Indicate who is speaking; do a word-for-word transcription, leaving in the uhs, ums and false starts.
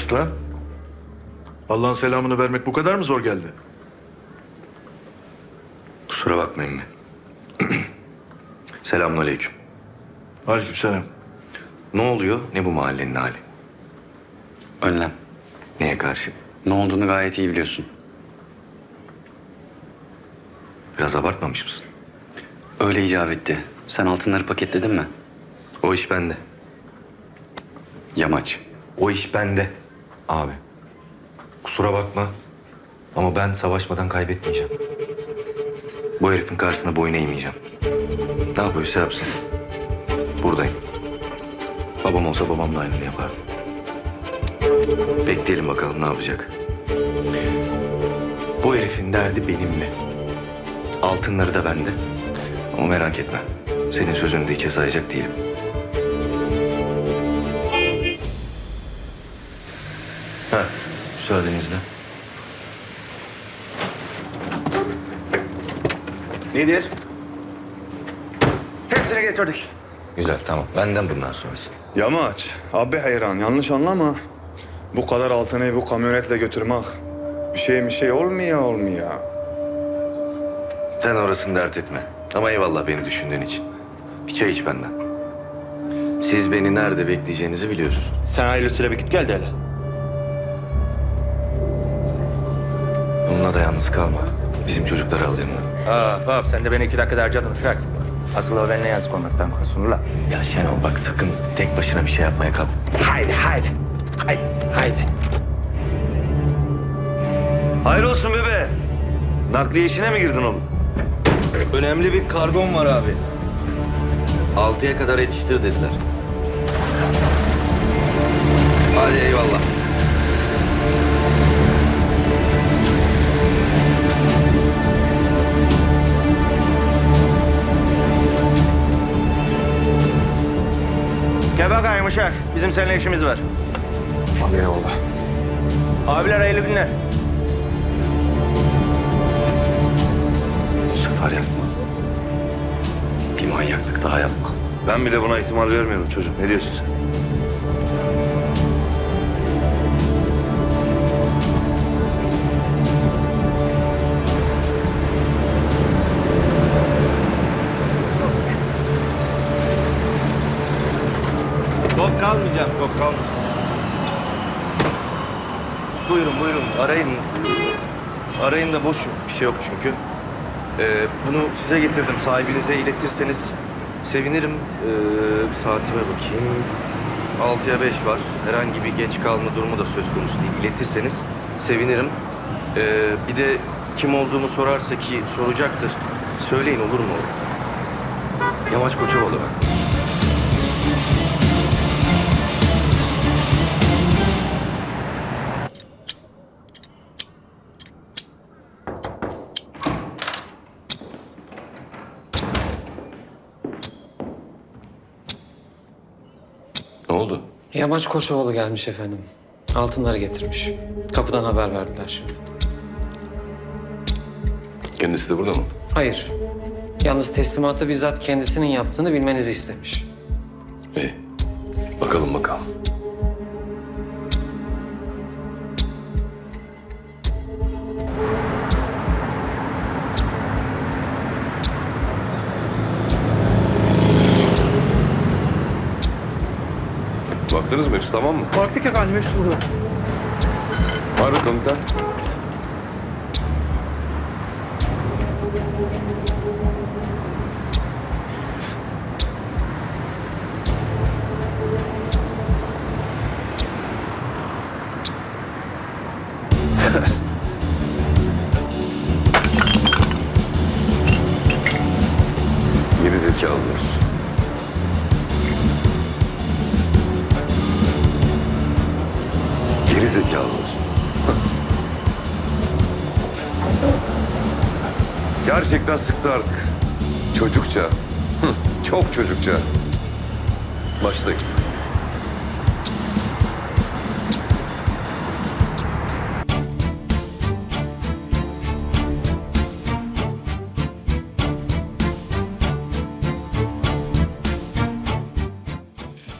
Speaker 1: Usta, Allah'ın selamını vermek bu kadar mı zor geldi?
Speaker 2: Kusura bakmayın mı? Selamünaleyküm.
Speaker 1: Aleykümselam.
Speaker 2: Ne oluyor? Ne bu mahallenin hali?
Speaker 3: Önlem.
Speaker 2: Neye karşı?
Speaker 3: Ne olduğunu gayet iyi biliyorsun.
Speaker 2: Biraz abartmamış mısın?
Speaker 3: Öyle icap etti. Sen altınları paketledin mi?
Speaker 2: O iş bende.
Speaker 3: Yamaç.
Speaker 2: O iş bende. Abi. Kusura bakma. Ama ben savaşmadan kaybetmeyeceğim. Bu herifin karşısına boyun eğmeyeceğim. Ne yapıyorsa yapsın. Buradayım. Babam olsa babam da aynını yapardı. Bekleyelim bakalım ne yapacak. Bu herifin derdi benimle. Altınları da bende. Ama merak etme. Senin sözünü de hiçe sayacak değilim. Ha, müsaadenizle.
Speaker 4: Nedir? Hepsini getirdik.
Speaker 2: Güzel, tamam. Benden bundan sonrası.
Speaker 4: Yamaç, abi hayran yanlış anlama. Bu kadar altını bu kamyonetle götürmek bir şey bir şey olmuyor olmuyor.
Speaker 2: Sen orasını dert etme. Ama eyvallah beni düşündüğün için. Bir çay iç benden. Siz beni nerede bekleyeceğinizi biliyorsunuz.
Speaker 5: Sen hayırlısıyla bir git gel de hele.
Speaker 2: Bununla da yalnız kalma. Bizim çocukları al yanına.
Speaker 5: Aa, bak sen de beni iki dakika harcadın uşak. Asıl o benimle yazık olmaktan korksun la.
Speaker 2: Ya Şenol bak sakın tek başına bir şey yapmaya kalk.
Speaker 5: Haydi haydi. Haydi haydi.
Speaker 6: Hayır olsun bebe. Nakliye işine mi girdin oğlum?
Speaker 2: Önemli bir kargon var abi. Altıya kadar yetiştir dediler. Hadi eyvallah.
Speaker 5: Gel bakayım uşak. Bizim seninle işimiz var.
Speaker 4: Abi eyvallah.
Speaker 5: Abiler hayırlı günler.
Speaker 3: Bu sefer yapma. Bir manyaklık daha yapma.
Speaker 6: Ben bile buna ihtimal vermiyorum çocuk. Ne diyorsun sen?
Speaker 2: Çok kalmayacağım, çok kalmayacağım. Buyurun, buyurun. Arayın. Arayın da boş bir şey yok çünkü. Ee, bunu size getirdim. Sahibinize iletirseniz sevinirim. Ee, bir saatime bakayım. Altıya beş var. Herhangi bir geç kalma durumu da söz konusu değil. İletirseniz sevinirim. Ee, bir de kim olduğumu sorarsa ki soracaktır. Söyleyin olur mu? Yamaç Koçovalı ben. Ne oldu?
Speaker 7: Yamaç Koçovalı gelmiş efendim. Altınları getirmiş. Kapıdan haber verdiler şimdi.
Speaker 2: Kendisi de burada mı?
Speaker 7: Hayır. Yalnız teslimatı bizzat kendisinin yaptığını bilmenizi istemiş.
Speaker 2: İyi. Bakalım bakalım.
Speaker 8: Baktınız mı? Hepsi tamam mı?
Speaker 5: Baktık efendim hepsi burada.
Speaker 8: Var mı komutan? Geri zekalılar. Geri zekalılar. Gerçekten sıktı artık. Çocukça. Çok çocukça. Başlayın.